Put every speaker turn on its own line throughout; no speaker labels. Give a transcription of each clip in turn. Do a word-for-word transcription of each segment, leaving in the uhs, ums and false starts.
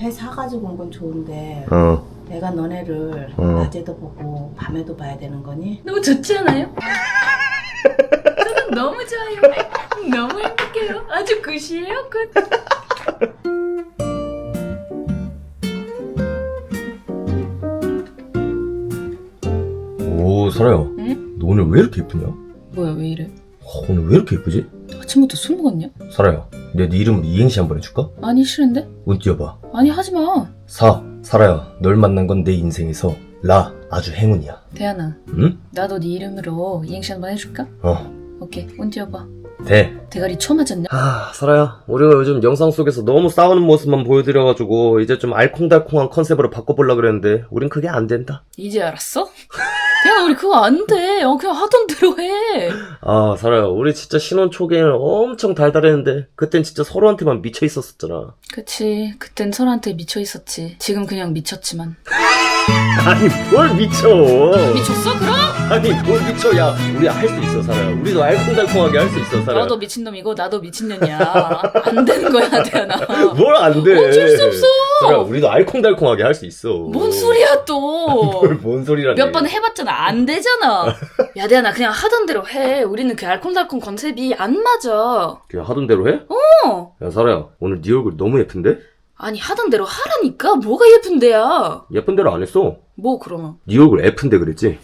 회 사가지고 온 건 좋은데
어.
내가 너네를
어.
낮에도 보고 밤에도 봐야 되는 거니?
너무 좋지 않아요? 저는 너무 좋아요. 너무 행복해요. 아주 굿이에요, 굿.
오, 설아야.
응?
너 오늘 왜 이렇게 예쁘냐?
뭐야, 왜 이래?
어, 오늘 왜 이렇게 예쁘지?
아침부터 술 먹었냐?
설아야, 내가 네 이름으로 이행시 한번 해줄까?
아니, 싫은데?
운 띄워봐.
아니, 하지마.
사, 설아야, 널 만난 건 내 인생에서 라, 아주 행운이야.
대안아,
응?
나도 네 이름으로 이행시 한번 해줄까?
어.
오케이, 운 띄워봐.
대.
대가리 처 맞았냐?
아, 설아야, 우리가 요즘 영상 속에서 너무 싸우는 모습만 보여드려가지고 이제 좀 알콩달콩한 컨셉으로 바꿔보려고 그랬는데 우린 그게 안 된다.
이제 알았어? 대안아, 우리 그거 안 돼. 어, 그냥 하던 대로 해.
아, 설아야, 우리 진짜 신혼 초기에는 엄청 달달했는데 그땐 진짜 서로한테만 미쳐 있었었잖아.
그치, 그땐 서로한테 미쳐 있었지. 지금 그냥 미쳤지만.
아니, 뭘 미쳐.
미쳤어, 그럼?
아니, 뭘 미쳐. 야, 우리 할 수 있어, 설아야. 우리도 알콩달콩하게 할 수 있어, 설아야.
너도 미친놈이고 나도 미친년이야. 안 되는 거야, 대안아.
뭘 안 돼.
어쩔 수 없어.
설아야, 우리도 알콩달콩하게 할 수 있어.
뭔 소리야 또.
뭘, 뭔 소리라니.
몇 번 해봤잖아. 안 되잖아. 야, 대안아, 그냥 하던 대로 해. 우리는 그 알콩달콩 컨셉이 안 맞아.
그냥 하던 대로 해?
어.
야, 설아야, 오늘 네 얼굴 너무 예쁜데?
아니, 하던 대로 하라니까. 뭐가 예쁜데야.
예쁜 대로 안 했어.
뭐 그러면.
네 얼굴 예쁜데 그랬지?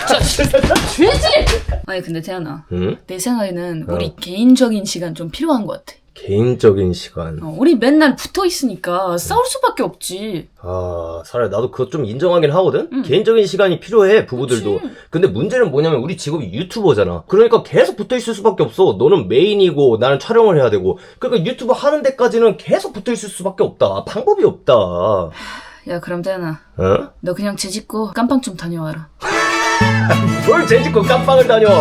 죄지. 아니, 근데 대안아,
응?
내 생각에는
어.
우리 개인적인 시간 좀 필요한 것 같아.
개인적인 시간.
어, 우리 맨날 붙어 있으니까 싸울 수밖에 없지.
아, 설아야, 나도 그거 좀 인정하긴 하거든?
응.
개인적인 시간이 필요해, 부부들도.
그치.
근데 문제는 뭐냐면 우리 직업이 유튜버잖아. 그러니까 계속 붙어있을 수밖에 없어. 너는 메인이고 나는 촬영을 해야 되고. 그러니까 유튜브 하는 데까지는 계속 붙어있을 수밖에 없다. 방법이 없다. 어?
야, 그럼 대안아, 너 그냥 재 짓고 깜빵 좀 다녀와라.
뭘 재짓고 깜빵을 다녀.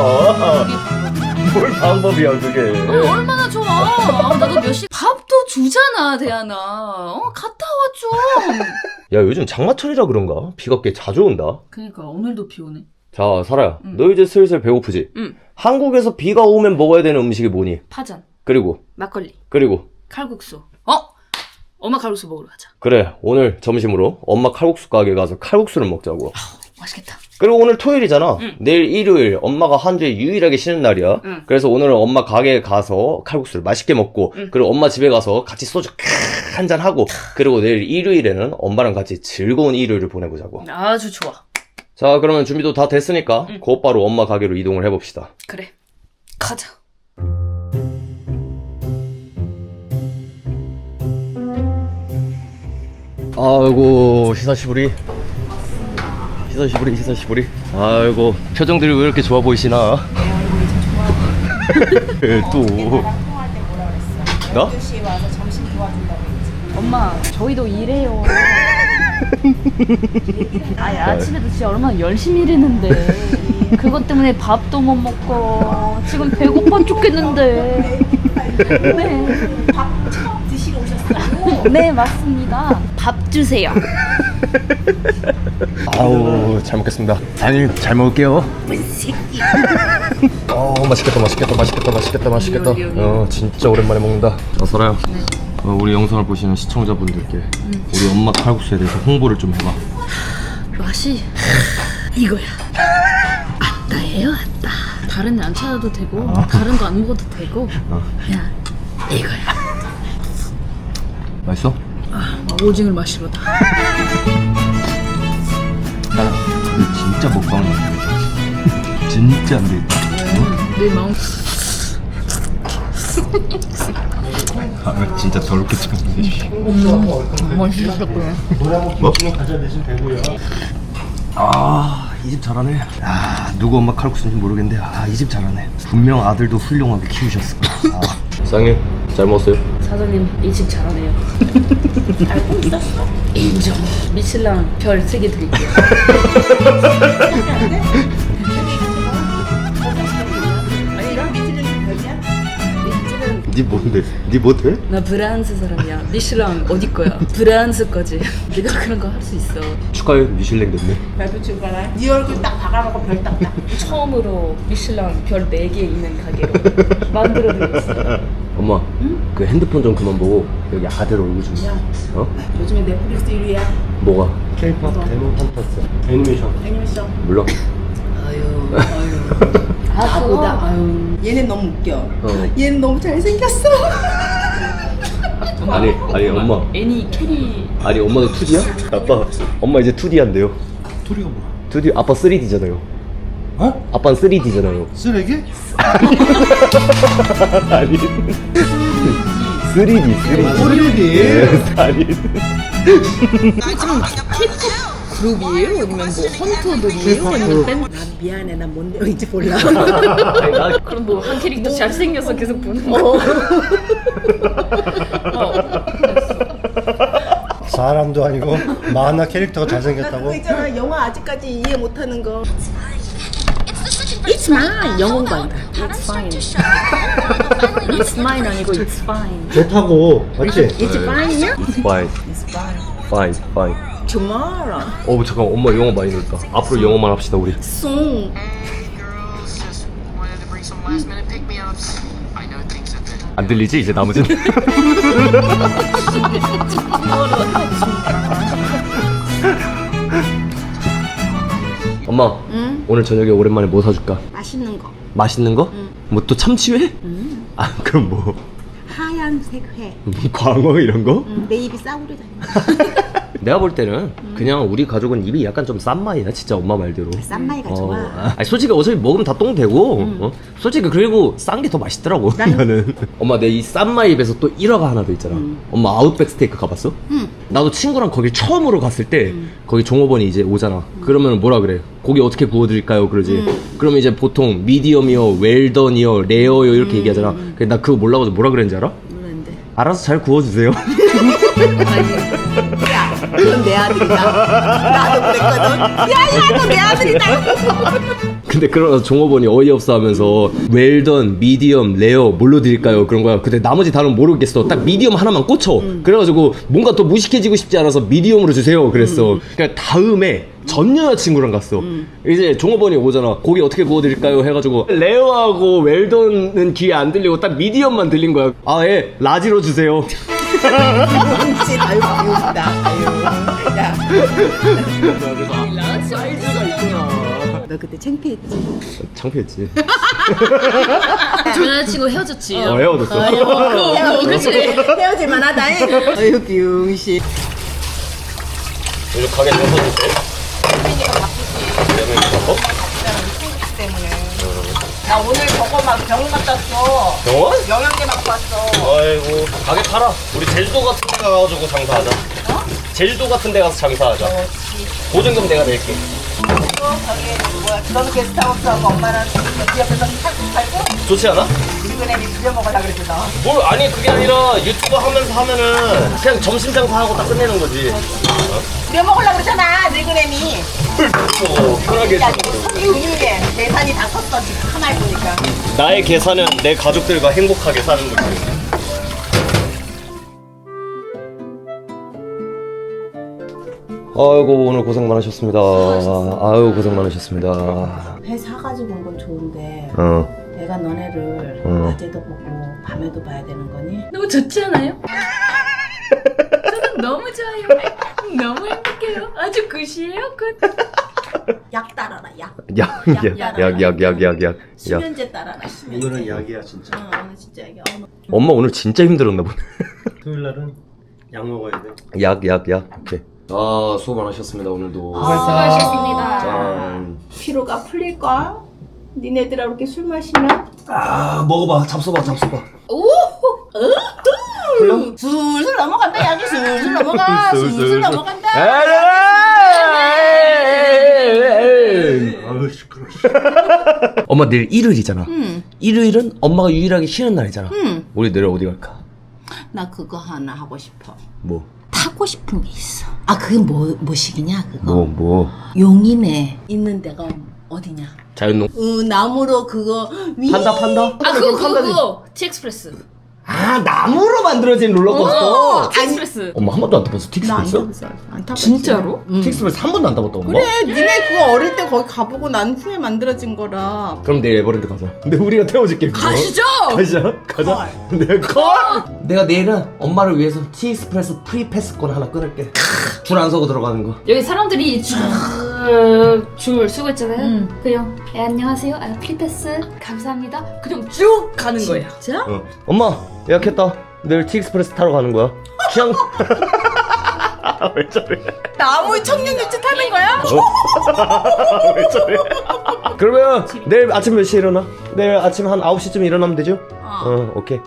뭘 방법이야, 그게.
어, 얼마나 좋아. 아, 나도 몇 시 밥도 주잖아, 대안아. 어, 갔다 와 좀.
야, 요즘 장마철이라 그런가? 비가 꽤 자주 온다.
그니까 오늘도 비 오네.
자, 설아야,
응.
너 이제 슬슬 배고프지?
응.
한국에서 비가 오면 먹어야 되는 음식이 뭐니?
파전,
그리고,
막걸리,
그리고.
칼국수. 어? 엄마 칼국수 먹으러 가자.
그래, 오늘 점심으로 엄마 칼국수 가게 가서 칼국수를 먹자고.
맛있겠다.
그리고 오늘 토요일이잖아.
응.
내일 일요일 엄마가 한 주에 유일하게 쉬는 날이야.
응.
그래서 오늘은 엄마 가게에 가서 칼국수를 맛있게 먹고
응.
그리고 엄마 집에 가서 같이 소주 한잔 하고 그리고 내일 일요일에는 엄마랑 같이 즐거운 일요일을 보내보자고.
아주 좋아.
자, 그러면 준비도 다 됐으니까
응.
곧바로 엄마 가게로 이동을 해봅시다.
그래. 가자.
아이고, 히사시부리. 히사시부리, 히사시부리. 아이고, 표정들이 왜 이렇게 좋아 보이시나? 또. 나?
아저씨 와서 점심 도와준다고 했지.
엄마, 저희도 일해요. 아니, 아침에도 진짜 얼마나 열심히 일했는데. 그것 때문에 밥도 못 먹고 지금 배고파 죽겠는데. 네.
밥 처음 드시러 오셨어요?
네, 맞습니다. 밥 주세요.
아우, 잘 먹겠습니다. 아니, 잘 먹을게요. 어, 맛있겠다, 맛있겠다, 맛있겠다, 맛있겠다, 맛있겠다.
여기, 여기.
어, 진짜 오랜만에 먹는다. 자, 설아야. 어, 우리 영상을 보시는 시청자분들께 우리 엄마 칼국수에 대해서 홍보를 좀 해봐.
맛이 이거야. 아따예요, 아따. 다른 애 안 찾아도 되고 다른 거 안 먹어도 되고 그냥 이거야.
맛있어?
아, 오징어를 마시러다.
나 진짜 먹방을 안 되겠다. 진짜 안 되겠다.
내 마음.
아, 진짜 더럽게 찍었는데.
맛있었구나.
뭐? 아, 이 집 잘하네. 아, 누구 엄마 칼국수인지 모르겠는데, 아, 이 집 잘하네. 분명 아들도 훌륭하게 키우셨을 거야. 아. 사장님, 잘 먹었어요?
사장님, 이 집 잘하네요. 알고 있었어? 인정. 미슐랑 별 세 개 드릴게요.
니 뭔데? 니 뭐 돼?
나 프랑스 사람이야. 미슐랑 어디 거야? 프랑스 거지. 내가 그런 거 할 수 있어.
축하해, 미슐랭 됐네.
별표 치고 가라. 네 얼굴 딱 박아놓고 별 딱딱.
처음으로 미슐랑 별 네 개 있는 가게로 만들어드렸어.
엄마, 응? 그 핸드폰 좀 그만 보고 여기 아들 얼굴 좀.
야.
어?
요즘에 넷플릭스 일 위야.
뭐가? K-팝, 데모, 판타스, 애니메이션.
애니메이션.
몰라.
아유, 아유.
아,
나보다, 아유. 얘네 너무 웃겨.
어.
얘는 너무 잘생겼어.
아니, 아니 엄마.
애니 캐리.
아니 엄마도 투디야? 아빠, 엄마 이제 투디 한대요.
토리가 뭐야?
투디, 아빠 쓰리디잖아요.
어?
아빠는 쓰리디잖아요.
쓰레기?
아니. 쓰리디, 쓰리디.
쓰레기?
아니.
그룹이에요? 아니면 뭐 헌터들이에요? 아니면 밴드?
난 미안해. 난 뭔 내용인지 몰라.
아니, 나
그럼 뭐 한 캐릭터 잘생겨서 계속 보는 거? 어.
사람도 아니고 만화 캐릭터가
나 그거
잘생겼다고?
있잖아. 영화 아직까지 이해 못하는 거.
It's mine. 영어 공부한다. It's fine. It's mine 아니고 It's fine.
좋다고 맞지?
It's fine이야?
It's fine,
It's fine.
fine, fine.
tomorrow.
어 잠깐 엄마 영어 많이 늘었다. 앞으로 영어만 합시다 우리.
soon.
안 들리지 이제 나머지는? 엄마,
응?
오늘 저녁에 오랜만에 뭐 사줄까?
맛있는 거.
맛있는 거?
응.
뭐 또 참치회?
응.
아 그럼 뭐
하얀색 회.
광어 이런 거?
응, 내 입이 싸구려잖아.
내가 볼 때는 그냥 우리 가족은 입이 약간 좀 싼 마이야 진짜 엄마 말대로.
쌈마이가
어,
좋아.
아, 아니, 솔직히 어차피 먹으면 다 똥 되고 어? 솔직히 그리고 싼 게 더 맛있더라고 나는. 엄마 내 이 싼 마이 입에서 또 일화가 하나 더 있잖아.
음.
엄마 아웃백 스테이크 가봤어?
응.
나도 친구랑 거기 처음으로 갔을 때 거기 종업원이 이제 오잖아. 그러면 뭐라 그래? 고기 어떻게 구워드릴까요? 그러지. 그러면 이제 보통 미디엄이요, 웰던이요, 레어요 이렇게 얘기하잖아. 근데 나 그거 몰라가지고 뭐라 그랬는지 알아?
모르는데.
알아서 잘 구워주세요.
야, 그건 내 아들이다. 나도 그랬거든. 야, 야, 이거 내 아들이다.
근데 그러면서 종업원이 어이없어 하면서 웰던, 미디엄, 레어 뭘로 드릴까요? 그런 거야. 근데 나머지 단어는 모르겠어. 딱 미디엄 하나만 꽂혀. 그래가지고 뭔가 더 무식해지고 싶지 않아서 미디엄으로 주세요. 그랬어. 그러니까 다음에 전 여자친구랑 갔어. 이제 종업원이 오잖아. 고기 어떻게 구워드릴까요? 해가지고 레어하고 웰던은 귀에 안 들리고 딱 미디엄만 들린 거야. 아, 예. 라지로 주세요.
뭉친, 아유, 귀엽다. 아유. 야,
사이즈가 있구나.
너 그때 창피했지?
창피했지.
저 여자친구 헤어졌지.
어, 헤어졌어.
어, 그치.
헤어질만 하다. 아유, 비웅씨.
요즘 가게 좀 서주세요.
혜민이가 바쁘지.
바빠?
때문에. 나 오늘 저거 막 병원 갔다 왔어.
병원?
영양제 맞고 왔어.
아이고 가게 팔아. 우리 제주도 같은 데 가가지고 장사하자.
어?
제주도 같은 데 가서 장사하자. 보증금 내가 낼게.
또 저기 뭐야 그런 게스트하우스하고 엄마랑 그 옆에서 살고 살고
좋지 않아?
밀그램이 빌려먹으려고 그랬어.
뭘 아니 그게 아니라 유튜브 하면서 하면은 그냥 점심 장사하고 딱 끝내는 거지.
빌려먹으려고 그랬잖아 밀그램이.
뭐 편하게.
야 이거 손이 의유해. 계산이 다 컸어 지금 하나 해보니까.
나의 계산은 내 가족들과 행복하게 사는 거지. 아이고 오늘 고생 많으셨습니다. 아유 고생 많으셨습니다.
회 사가지고 온 건 좋은데
어.
내가 너네를
어.
낮에도 보고 밤에도 봐야 되는 거니?
너무 좋지 않아요? 저는 너무 좋아요. 너무 행복해요. 아주 굿이에요, 굿.
약 따라라 약.
약약약약약약.
수면제 따라라 수면제.
오늘은 약이야 진짜.
어 오늘 진짜 약이야. 어,
엄마 오늘 진짜 힘들었나 보네.
토요일 날은 약 먹어야 돼.
약 약 약. 오케이. 아 수고 많으셨습니다 오늘도.
수고하셨습니다.
짠.
피로가 풀릴까? 니네들하고 이렇게 술 마시면?
아 먹어봐 잡숴봐 잡숴봐.
오! 풀려? 술술 넘어간다 약이 술술 넘어가 술술 넘어간다.
아유 시끄러.
엄마 내일 일요일이잖아.
응.
일요일은 엄마가 유일하게 쉬는 날이잖아.
응.
우리 내일 어디 갈까?
나 그거 하나 하고 싶어.
뭐?
타고 싶은 게 있어. 아 그게 뭐 뭐식이냐 그거?
뭐 뭐?
용인에 있는 데가 어디냐?
자연농.
어 나무로 그거 위.
판다 판다?
아, 그거, 그거, 그거. 티엑스프레스.
아
아 나무로 만들어진 롤러코스터.
틱스프레스.
엄마 한 번도 안 타봤어
나안
틱스프레스?
타봤어. 안 타봤어.
진짜로?
틱스프레스 한 번도 안 타봤다 엄마?
그래, 니네 그거 어릴 때 거기 가보고 난 후에 만들어진 거라.
그럼 내일 에버랜드 가자. 근데 우리가 태워줄게. 그거.
가시죠.
가자. 가자. 내 걸. 내가 내일은 엄마를 위해서 티익스프레스 프리패스권 하나 끊을게. 줄 안 서고 들어가는 거.
여기 사람들이 줄, 줄 쓰고 있잖아요. 그냥 예, 안녕하세요. 아, 프리패스 감사합니다. 그냥 쭉 가는 거예요. 진짜?
어. 엄마 예약했다. 내일 티익스프레스 타러 가는 거야. 그냥. 왜 저래?
나무 청년유치 타는 거야?
왜 저래? 그러면 내일 아침 몇 시에 일어나? 내일 아침 한 아홉 시쯤 일어나면 되죠?
어.
어, 오케이.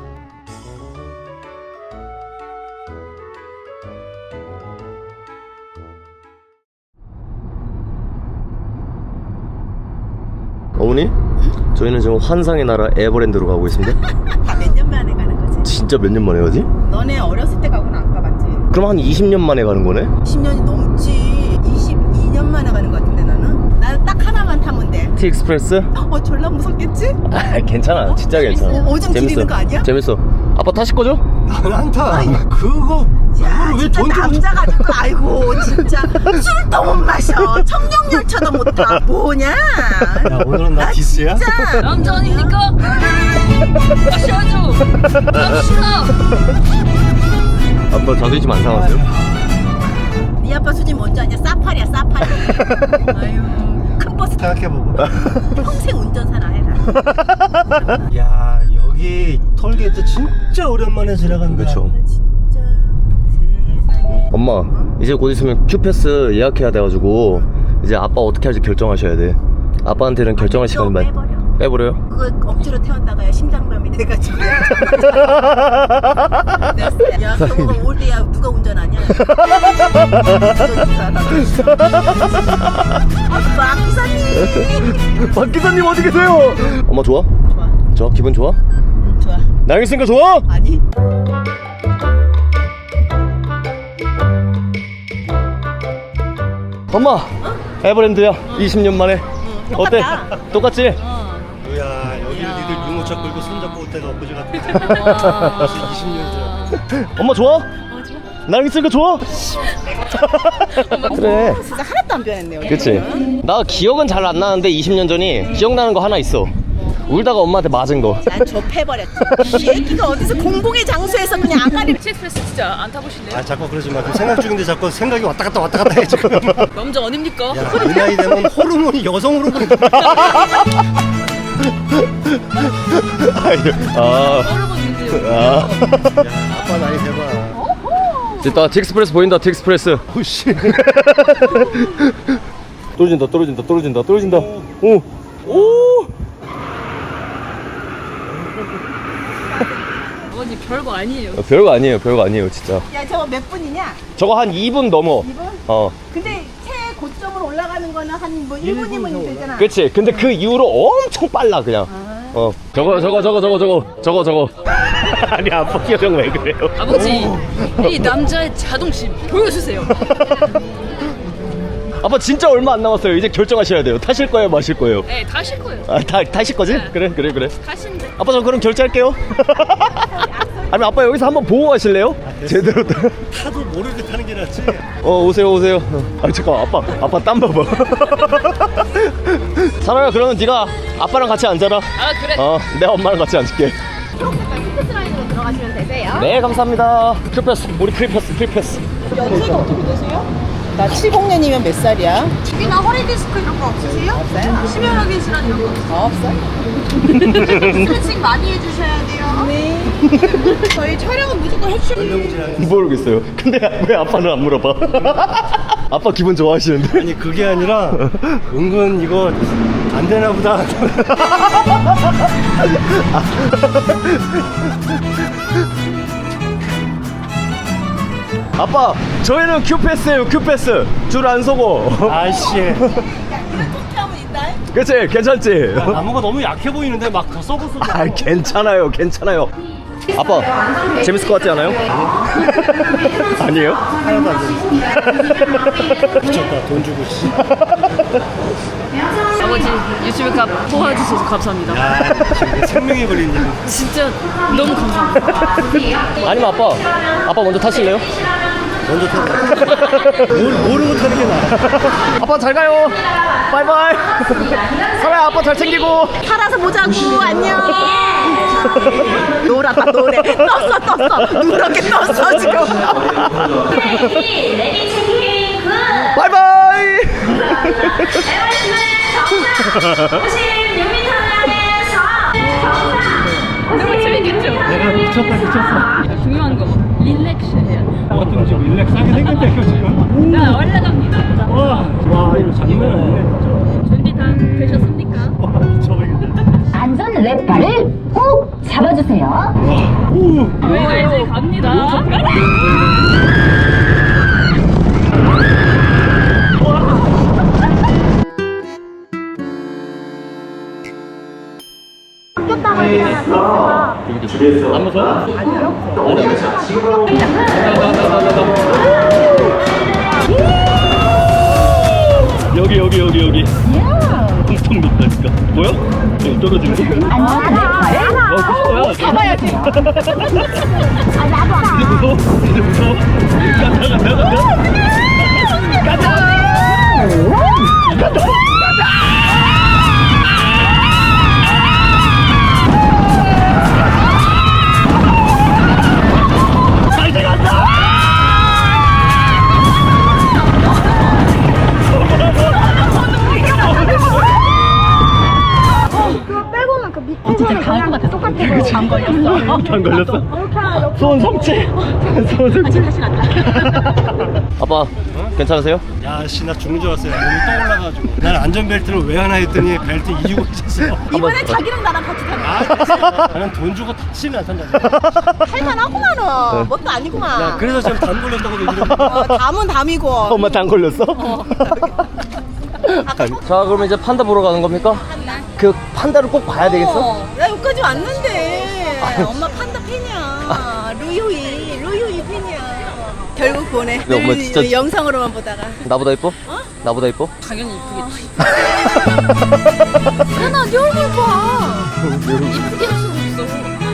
어머니? 응? 저희는 지금 환상의 나라 에버랜드로 가고 있습니다.
다 몇 년 만에 가는 거지?
진짜 몇 년 만에 가지?
너네 어렸을 때 가고는 안 가봤지?
그럼 한 이십 년 만에 가는 거네?
십 년이 넘지. 이십이 년 만에 가는 거 같은데 나는? 나는 딱 하나만 타면 돼.
티익스프레스?
어 졸라 무섭겠지?
아 괜찮아 진짜 괜찮아.
어, 오줌 지리는 거 아니야?
재밌어. 아빠 타실 거죠?
나는 안 타. 그거
야
그걸 왜
진짜
돈 주고
남자 가지고 아이고 진짜 술도 못 마셔. 청룡열차도 못 타. 뭐냐?
야 오늘은 나 디스야?
진짜.
남자 아닙니까? 가셔야죠. 갑시다.
아빠 자존심 안 상하세요?
네 아빠 수지 뭔지 아냐? 사파리야 사파리. 아유 큰 버스 타.
생각해보고.
평생 운전사나 해라.
야 여기 톨게이트 진짜 오랜만에 지나간다.
그쵸.
진짜 세상에.
엄마 이제 곧 있으면 큐패스 예약해야 돼가지고 이제 아빠 어떻게 할지 결정하셔야 돼. 아빠한테는 결정할 시간이 많이
빼버려.
빼버려요?
그거 억지로 태웠다가 심장병이 돼가지고. 야 그거 올 때야 누가 운전하냐? 아빠 기사님.
박 기사님 어디 계세요? 엄마 좋아?
좋아.
좋아? 기분 좋아?
응, 좋아.
나영 있으니까 좋아?
아니.
엄마 에버랜드야 이십 년 만에. 어때?
똑같다.
똑같지?
야 여기 니들 유모차 끌고 손잡고 올 때가 엊그제 같아. 벌써 이십 년 전.
엄마 좋아? 나영 있으니까 좋아? 그래
진짜 하나도 안 변했네요.
그치? 나 기억은 잘 안 나는데 이십 년 전이 기억나는 거 하나 있어. 울다가 엄마한테 맞은 거.
난 접해버렸지. 이 얘기가 어디서 공공의 장소에서 그냥 아가리.
틱스프레스 진짜 안 타보실래요?
아 자꾸 그러지 마. 그 생각 중인데 자꾸 생각이 왔다 갔다 왔다 갔다 해 지금.
남자 아닙니까?
야이 나이 되면 호르몬이 여성 호르몬이.
아,
여러분인데요.
아.
아빠 나이 대봐.
됐다. 틱스프레스 보인다. 틱스프레스.
오씨.
떨어진다. 떨어진다. 떨어진다. 떨어진다. 오. 오.
아버님 별거 아니에요.
어, 별거 아니에요. 별거 아니에요. 진짜.
야 저거 몇 분이냐?
저거 한 이 분 넘어.
이 분?
어.
근데 최고점으로 올라가는 거는 한 뭐 일 분이면 되잖아.
그치. 근데 그 이후로 엄청 빨라 그냥. 어. 저거 저거 저거 저거 저거 저거 저거. 아니 아빠 표정 왜 그래요?
아버지, 이 남자의 자존심 보여주세요.
아빠 진짜 얼마 안 남았어요. 이제 결정하셔야 돼요. 타실 거예요, 마실 거예요?
네, 다실 거예요.
아, 다 타실 거지?
네.
그래, 그래, 그래.
가신대.
아빠 저 그럼 결제할게요. 아니면 아빠 여기서 한번 보고 가실래요? 제대로. 타-
타도 모르게 타는 게 낫지.
어 오세요 오세요. 아 잠깐 아빠 아빠 땀 봐봐. 사랑아 그러면 네가 아빠랑 같이 앉아라.
아 그래.
어 내가 엄마랑 같이 앉을게.
핑크스 라인으로 들어가시면 되세요.
네 감사합니다. 프리패스 우리 프리패스 프리패스.
연세가 어떻게 되세요? 나 칠십 년이면 몇 살이야?
특히나 허리 디스크 이런 거 없으세요?
없어요.
심혈하게 질환 이런 거.
어, 없어요.
스트레칭 많이 해주셔야 돼요.
네. 저희 촬영은 무조건 해주셔야 돼요.
모르겠어요. 근데 왜 아빠는 안 물어봐? 아빠 기분 좋아하시는데?
아니 그게 아니라 은근 이거 안 되나 보다.
아빠 저희는 큐패스예요 큐패스. 줄 안 서고.
아이씨.
이렇게 하면 있다.
그치 괜찮지?
나무가 너무 약해 보이는데 막 더 썩었어.
아 괜찮아요 괜찮아요. 아빠 재밌을 것 같지 않아요? 아니에요?
하나도 안 돼. 미쳤다 돈 주고 씨.
아버지 유튜브 값 도와주셔서 감사합니다.
야, 지금 생명이 걸린 일.
진짜 너무 감사합니다.
아니면 아빠 아빠 먼저 타실래요?
먼저 타봐. 뭘, 모르고 타는 게 나아.
아빠 잘 가요. 바이바이. 설아야 아빠 잘 챙기고.
살아서 보자고. 안녕. 노랗다 노래. 떴어 떴어. 누렇게 떴어 지금.
바이바이.
너무 재밌겠죠?
내가 미쳤다, 미쳤어.
중요한 거 릴렉스 해야 돼.
어떤 지금 릴렉스하게 생겼다, 이거 지금.
자 올라갑니다.
와, 와, 이거 장난 아니네, 진짜.
준비 다 되셨습니까?
와, 미쳐버리겠네.
안전 랩바를 꼭 잡아주세요.
오,
네, 이제 갑니다.
안 무서워?
여기, 여기, 여기, 여기. 엄청 높다, 진짜. 보여? 여기 떨어지는 거.
안전 랩바를
어, 그거야.
잡아야지.
이제 무서워? 이제 무서워? 가자, 가자, 가자.
진짜 다할 것 같아. 똑같아. 안 걸렸어.
안 걸렸어? 소원 성취. 소원 성취.
다시 갔다.
아빠 괜찮으세요?
야, 씨, 나 죽는 줄 알았어요. 몸이 떠올라가지고. 난 안전벨트를 왜 하나 했더니 벨트 이유가 있었어.
이번에 자기랑 나랑 같이 타는
아, 나는 돈 주고 타치는 안 탄다.
할만하구만은. 뭣도 아니구만.
야, 그래서 지금 담 걸렸다고 얘기를 해.
어, 담은 담이고.
엄마 당 걸렸어? 자 그럼 이제 판다 보러 가는 겁니까? 그 판다를 꼭 봐야 되겠어?
어, 나 여기까지 왔는데. 엄마 판다 팬이야. 루유이, 루유이 팬이야. 결국 보내.
근데 엄마 진짜-
늘 영상으로만 보다가.
나보다 이뻐? 나보다 이뻐?
당연히 이쁘겠지.
하나, 네 얼굴 봐.
이쁘게 할 수가 없어.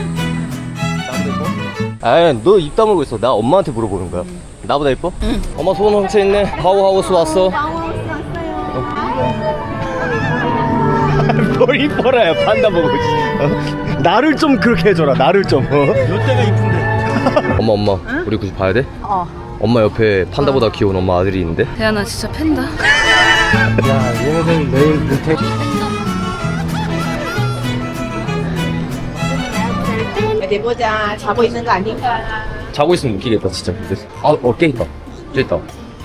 아이 너 입 다물고 있어. 나 엄마한테 물어보는 거야. 나보다 이뻐? 응. 엄마 소원 훔쳐 있네. 하우하우스 왔어. 뭘 이뻐라야 판다 보고 있지. 어? 나를 좀 그렇게 해줘라. 나를 좀. 어?
이때가 이쁜데.
엄마 엄마 우리 굳이 봐야 돼?
어.
엄마 옆에 판다보다 귀여운 엄마 아들이 있는데.
대안아 진짜 팬다.
야, 얘네들 내일 밑에.
어디 보자. 자고 있는 거 아닌가?
자고 있으면 웃기겠다 진짜. 근데 아 어깨 있다. 쟤 있다.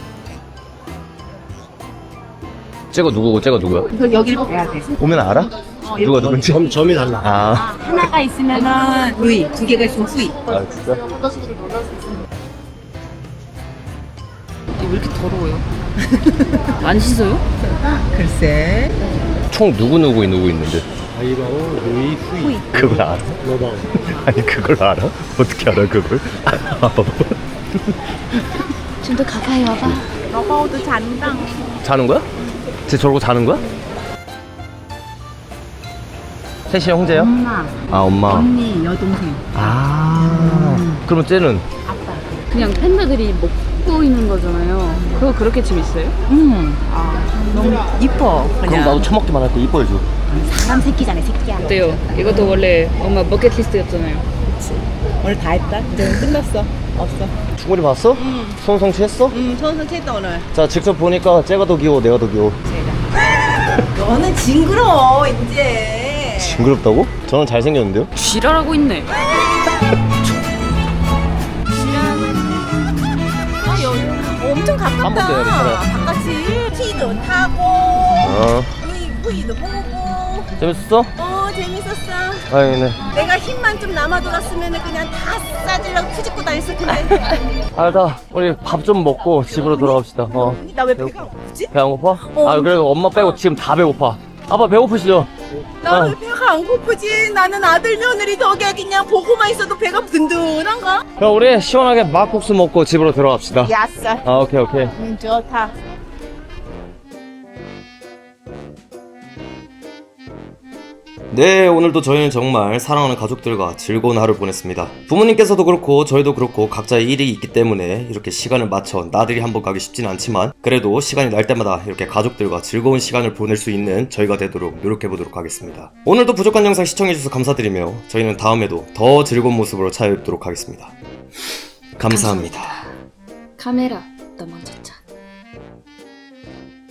쟤가 누구고 쟤가 누구야?
그 여기를 봐야 돼.
오면 알아? 누가 누군지?
점, 점이 달라.
아,
하나가 있으면은 루이, 두 개가 있으면 후이.
아 진짜?
왜 이렇게 더러워요? 안 씻어요?
글쎄.
총 누구 누구 누구 있는데?
아이바오, 루이, 후이.
그걸 알아?
로바오.
아니 그걸 알아? 어떻게 알아 그걸? 아, 봐봐.
좀 더 가까이 와봐.
러바오도 잔당.
자는 거야? 쟤 저러고 자는 거야? 셋이 형제야?
엄마,
아 엄마.
언니, 여동생.
아. 그러면 쟤는?
그냥 팬다들이 먹고 있는 거잖아요. 그거 그렇게 재밌어요?
응.
너무 이뻐.
그럼 나도 처먹기만 할게 이뻐해줘.
사람 새끼잖아, 새끼야.
어때요? 이것도 원래 엄마 버킷리스트였잖아요.
오늘 다 했다. 이제 끝났어. 없어.
충분히 봤어? 응. 소원 성취했어?
음, 손선 쳤다 오늘.
자 직접 보니까 쟤가 더 귀여워 내가 더 귀여워.
너는 징그러워 이제.
징그럽다고? 저는 잘생겼는데요?
지랄하고 있네.
아 여기 엄청 가깝다.
한 번 더 해야겠다.
바깥이 티도 타고,
어.
후이 후이도 보고.
재밌었어?
어 재밌었어.
아니네.
내가 힘만 좀 남아 돌았으면 그냥 다 싸질라고 푸짓고 다녔을 텐데.
알다. 우리 밥 좀 먹고 집으로 돌아갑시다. 어.
나 왜 배가 고프지?
배 안 고파? 아 그래도 엄마 빼고 지금 다 배고파. 아빠 배고프시죠?
나 왜
어.
배가 안 고프지? 나는 아들 며느리 덕에 그냥 보고만 있어도 배가 든든한가?
그럼 우리 시원하게 막국수 먹고 집으로 들어갑시다.
야싸.
아 오케이 오케이.
음 좋다.
네, 오늘도 저희는 정말 사랑하는 가족들과 즐거운 하루를 보냈습니다. 부모님께서도 그렇고 저희도 그렇고 각자의 일이 있기 때문에 이렇게 시간을 맞춰 나들이 한번 가기 쉽진 않지만 그래도 시간이 날 때마다 이렇게 가족들과 즐거운 시간을 보낼 수 있는 저희가 되도록 노력해보도록 하겠습니다. 오늘도 부족한 영상 시청해주셔서 감사드리며 저희는 다음에도 더 즐거운 모습으로 찾아뵙도록 하겠습니다. 감사합니다.
카메라 너 먼저 차.